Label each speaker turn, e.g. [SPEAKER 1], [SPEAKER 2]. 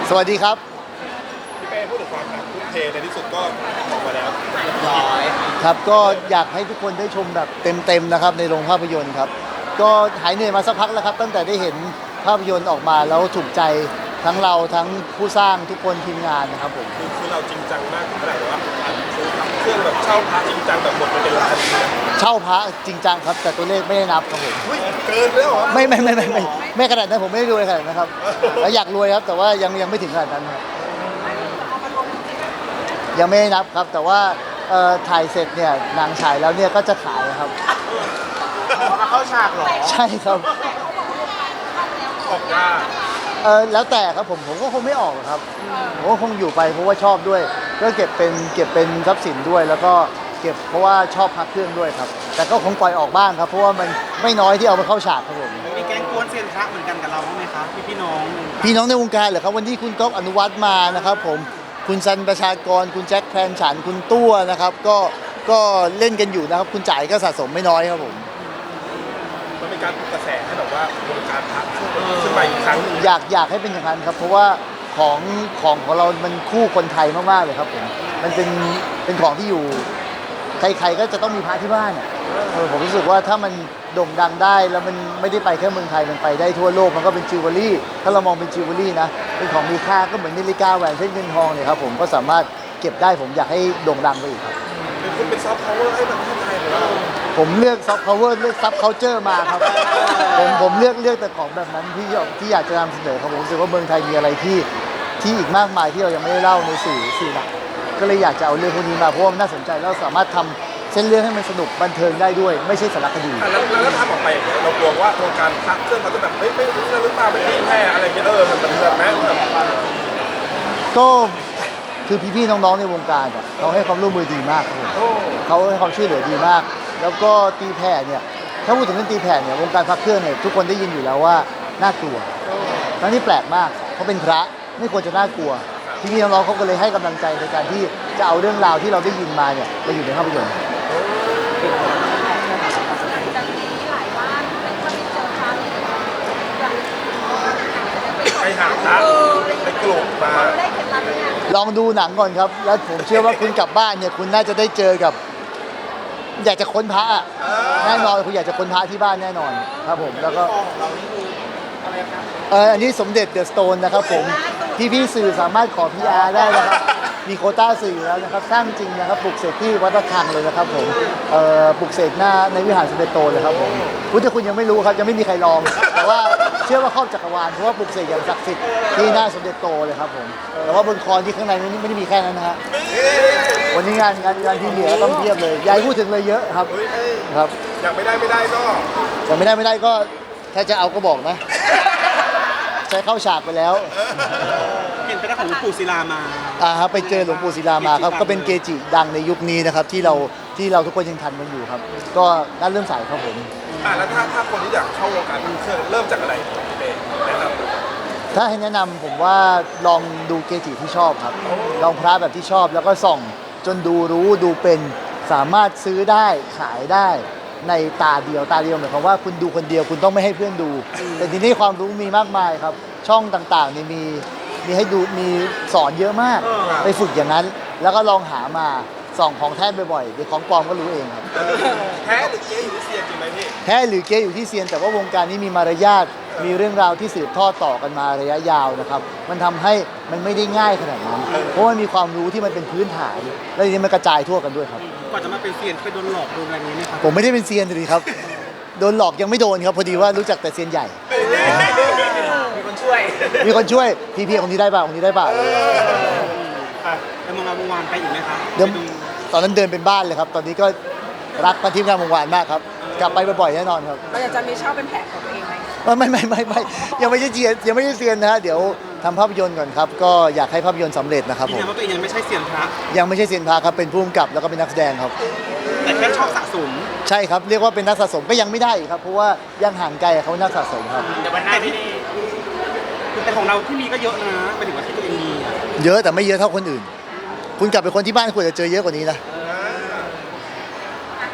[SPEAKER 1] สวัสดีครับ
[SPEAKER 2] พี่เป้พูดถึงความแบบทุ่มเทในที่สุดก็ออกมาแล้วร้อย
[SPEAKER 1] ครับก็อยากให้ทุกคนได้ชมแบบเต็มๆนะครับในโรงภาพยนตร์ครับก็หายเหนื่อยมาสักพักแล้วครับตั้งแต่ได้เห็นภาพยนตร์ออกมาแล้วถูกใจทั้งเราทั้งผู้สร้างทุกคนทีมงานนะครับผม
[SPEAKER 2] คือเราจริงจังมากถึงขนาดว่าซื้อเครื่องแบบเช่าพระจริงจังแบบหมดไปเป็นล้าน
[SPEAKER 1] เช่าพระจริงจังครับแต่ตัวเลขไม่ได้นับครับผม
[SPEAKER 2] เกินแล้วเหรอ
[SPEAKER 1] ไม่ขนาดนั้นผมไม่ได้รวยขนาดนั้นครับแล้วอยากรวยครับแต่ว่ายังไม่ถึงขนาดนั้นครับยังไม่ได้นับครับแต่ว่าถ่ายเสร็จเนี่ยหนังฉายแล้วเนี่ยก็จะขายครับ
[SPEAKER 2] มาเข้าฉากเหรอ
[SPEAKER 1] ใช่ครับ
[SPEAKER 2] ออกยาก
[SPEAKER 1] แล้วแต่ครับผมก็คงไม่ออกหรอกครับผมก็คงอยู่ไปเพราะว่าชอบด้วยก็เก็บเป็นทรัพย์สินด้วยแล้วก็เก็บเพราะว่าชอบพักเครื่องด้วยครับแต่ก็คงปล่อยออกบ้างครับเพราะว่ามันไม่น้อยที่เอามาเข้าฉากครับผม
[SPEAKER 3] มีแก๊งกวนเซียนพระเหมือนกันกับเราบ้างไหมครับพี่น้
[SPEAKER 1] องในวงการเหรอครับวันที่คุณก๊อฟอนุวัฒน์มานะครับผมคุณซันประชากรคุณแจ็คแพนฉันคุณตัวนะครับก็เล่นกันอยู่นะครับคุณจ่ายก็สะสมไม่น้อยครับผม
[SPEAKER 2] มันเป็นการปลุกกระแสให้แบบว่าวงการพระขึ้นมาอีกครั้งนึง
[SPEAKER 1] อยากให้เป็นอย่างนั้นครับเพราะว่าของเรามันคู่คนไทยมากๆเลยครับผมมันเป็นของที่อยู่ใครๆก็จะต้องมีพระที่บ้านผมรู้สึกว่าถ้ามันโด่งดังได้แล้วมันไม่ได้ไปแค่เมืองไทยมันไปได้ทั่วโลกมันก็เป็นจิวเวลรี่ถ้าเรามองเป็นจิวเวลรี่นะเป็นของมีค่าก็เหมือนนาฬิกาแหวนเพชรเงินทองเนี่ยครับผมก็สามารถเก็บได้ผมอยากให้โด่งดังไปอีกครับ
[SPEAKER 2] เป็นซอฟต์พาวเวอร์ให้ประเทศไทยหรือว่า
[SPEAKER 1] ผมเลือกซอฟต์พาวเวอร์เลือกซับเคาเจอร์มาครับผมเลือกแต่ของแบบนั้นที่อยากจะนำเสนอครับผมรู้สึกว่าเมืองไทยมีอะไรที่อีกมากมายที่เรายังไม่ได้เล่าในสื่อหลักก็เลยอยากจะเอาเรื่องพวกนี้มาเพราะว่ามันน่าสนใจแล้วสามารถทำเส้นเรื่องให้มันสนุกบันเทิงได้ด้วยไม่ใช่สารคดี
[SPEAKER 2] แล้วทำออกไปอย่างเงี้ยเรากลัวว่าวงการพระเครื่องเขาจะแบบไม่รู้เรื่องหรือเปล่าเป็นที่แพร่อะไรเงี้ยมันเป็นแบบแม้แบบ
[SPEAKER 1] ก็คือพี่ๆน้องๆในวงการเขาให้ความร่วมมือดีมากครับเขาให้ความช่วยเหลือดีมาก แล้วก็ตีแผ่เนี่ยถ้าพูดถึงเรื่องตีแผ่เนี่ยวงการพระเครื่องเนี่ยทุกคนได้ยินอยู่แล้วว่าน่ากลัวทั้งที่แปลกมากเขาเป็นพระไม่ควรจะน่ากลัวพี่ๆน้องๆเขาก็เลยให้กำลังใจในการที่จะเอาเรื่องราวที่เราได้ยินมาเนี่ยไปอยู่ในภาพยนตร์
[SPEAKER 2] ไปหาพระไปกลุ่มมา
[SPEAKER 1] ลองดูหนังก่อนครับแล้วผมเชื่อว่าคุณกลับบ้านเนี่ยคุณน่าจะได้เจอกับอยากจะค้นพระแน่นอนคุณอยากจะค้นพระที่บ้านแน่นอนครับผมแล้วก็อันนี้สมเด็จเดอะสโตนนะครับผมพี่สื่อสามารถขอ PR ได้นะครับมีโควต้าสื่อแล้วนะครับสร้างจริงนะครับปลุกเสกที่วัดระฆังเลยนะครับผมปลุกเสกหน้าในวิหารสมเด็จโตเลยครับผมคุณยังไม่รู้ครับยังไม่มีใครลองแต่ว่าเชื่อว่าครอบจักรวาลเพราะว่าปลุกเสกอย่างศักดิ์สิทธิ์ที่หน้าสมเด็จโตเลยครับผมแต่ว่าบนคอนที่ข้างในนี้ไม่ได้มีแค่นั้นนะฮะวันนี้งานที่เหลือต้องเทียบเลยยายพูดถึงเลยเยอะครับ
[SPEAKER 2] อยากไม่ได้ก็
[SPEAKER 1] อยากไม่ได้ก็ถ้าจะเอาก็บอกนะใช้เข้าฉากไปแล้ว
[SPEAKER 3] เห็นไปได้ของหลวงปู่ศิลามา
[SPEAKER 1] ครับไปเจอหลวงปู่ศิลามาครับก็เป็นเกจิดังในยุคนี้นะครับที่เราทุกคนยังทันมันอยู่ครับก็น่าเริ่มใส่ครับผม
[SPEAKER 2] แล้วถ้าคนที่อยากเข้าวงการเครื่องเริ่มจากอะไรแนะนำ
[SPEAKER 1] ถ้าให้แนะนำผมว่าลองดูเกจิที่ชอบครับลองพระแบบที่ชอบแล้วก็ส่องจนดูเป็นสามารถซื้อได้ขายได้ในตาเดียวหมายความว่าคุณดูคนเดียวคุณต้องไม่ให้เพื่อนดูแต่ทีนี้ความรู้มีมากมายครับช่องต่างๆนี่มีให้ดูมีสอนเยอะมากไปฝึกอย่างนั้นแล้วก็ลองหามาส่องของแท้บ่อยๆเดี๋ยวของปลอมก็รู้เองครับ
[SPEAKER 2] แท้หรือเก๊อยู่ที่เซียนจริงไหมพี่
[SPEAKER 1] แท้หรือเก๊อยู่ที่เซียนแต่ว่าวงการนี้มีมารยาทมีเรื่องราวที่สืบทอดต่อกันมาระยะยาวนะครับมันทำให้มันไม่ได้ง่ายขนาดนั้นเพราะมันมีความรู้ที่มันเป็นพื้นฐานและทีนี้มันกระจายทั่วกันด้วยครับ
[SPEAKER 3] ก่อนจะมาเป็นเซียนไปโดนหลอกโดนอะไรนี้ไหมครับ
[SPEAKER 1] ผมไม่ได้เป็นเซียนเลยครับโดนหลอกยังไม่โดนครับพอดีว่ารู้จักแต่เซียนใหญ่
[SPEAKER 3] มีคนช่วย
[SPEAKER 1] พี่คนนี้ได้ป่ะคนนี้ได้ป่ะ
[SPEAKER 3] แล้วมาวานไปอีกไหมครับ
[SPEAKER 1] ตอนนั้นเดินเป็นบ้านเลยครับตอนนี้ก็รักมาทีมงานวงวานมากครับกลับไปบ่อยๆแน่นอนครับ
[SPEAKER 4] เราอยากจะมีเช่าเป็นแผงของตัวเองไหม
[SPEAKER 1] ไม่ยังไม่ใช่เซียนนะฮะเดี๋ยวทำภาพยนตร์ก่อนครับก็อยากให้ภาพยนตร์สำเร็จนะครับผม
[SPEAKER 3] ว่าตัวเองยังไม่ใช่เซียนพระ
[SPEAKER 1] ยังไม่ใช่เซียนพระครับเป็นผู้กำกับแล้วก็เป็นนักแสดงครับ
[SPEAKER 3] แต่แค่ชอบสะสม
[SPEAKER 1] ใช่ครับเรียกว่าเป็นนักสะสมก็ยังไม่ได้ครับเพราะว่ายังห่างไกลเขานักสะสมครับ
[SPEAKER 3] แต่วันหน้าที่นี่แต่ของเราที่มีก็เยอะนะไปถึงว่าที่ตัวเองมี
[SPEAKER 1] เยอะแต่ไม่เยอะเท่าคนอื่นคุณกลับไปคนที่บ้านควรจะเจอเยอะกว่านี้นะ